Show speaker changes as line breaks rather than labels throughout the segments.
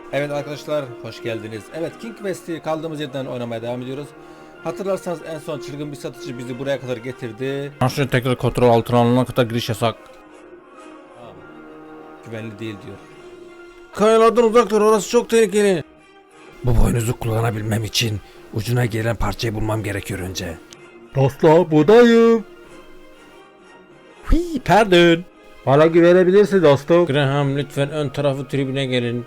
Evet arkadaşlar, hoş geldiniz. Evet, King Quest'i kaldığımız yerden oynamaya devam ediyoruz. Hatırlarsanız en son çılgın bir satıcı bizi buraya kadar getirdi.
Aşağı tekrar kontrol altına alınana kadar giriş yasak.
Tamam. Güvenli değil diyor.
Kayalardan uzak dur, orası çok tehlikeli. Bu boynuzu kullanabilmem için ucuna gelen parçayı bulmam gerekiyor önce.
Dostlar, buradayım.
Hii, pardon.
Bana güvenebilirsin dostum.
Graham, lütfen ön tarafı tribüne gelin.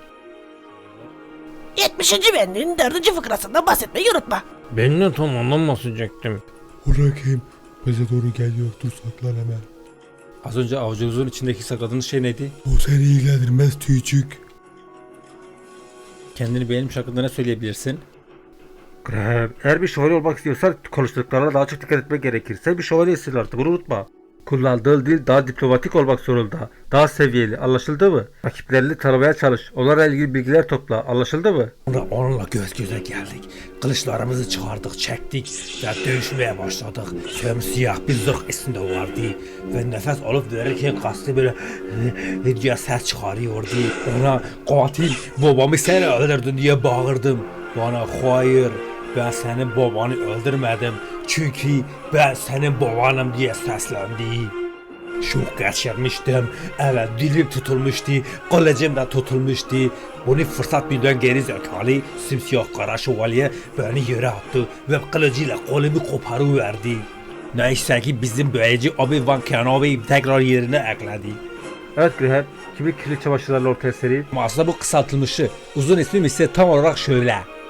70. bendinin 4. fıkrasından bahsetmeyi unutma.
Ben de tam ondan bahsedecektim.
Bırakayım. Bize doğru geliyor. Dur saklan hemen.
Az önce avucunuzun içindeki sakladığınız şey neydi?
Bu seni ilgilendirmez tüycük.
Kendini beğenmiş hakkında ne söyleyebilirsin? Graham, eğer bir şövalye olmak istiyorsan konuştuklarına daha çok dikkat etmek gerekir. Sen bir şövalyesin artık, bunu unutma. Kullandığın dil daha diplomatik olmak zorunda. Daha seviyeli, anlaşıldı mı? Rakiplerini tanımaya çalış. Onlarla ilgili bilgiler topla, anlaşıldı mı?
Onunla göz göze geldik. Kılıçlarımızı çıkardık, çektik ve dövüşmeye başladık. Siyah bir zırh üstünde vardı ve nefes alıp verirken kastı böyle diye ses çıkarıyordu. Ona katil babamı sen öldürdün diye bağırdım. Bana hayır, ben senin babanı öldürmedim. Çünkü ben senin babanım diye seslendi. Çok geçirmiştim. Evet, dilim tutulmuştu. Kılıcım da tutulmuştu. Bunu fırsat bilden geri zekalı simsiyah kara şövalye beni yere attı ve kılıcıyla kolumu koparıverdi. Neyse ki bizim böylece Obi-Wan Kenobi'yi tekrar yerine ekledi.
Evet Graham, kimlik kirli çamaşırlarla ortaya sereyim.
Ama aslında bu kısaltılmışı. Uzun ismim ise tam olarak şöyle.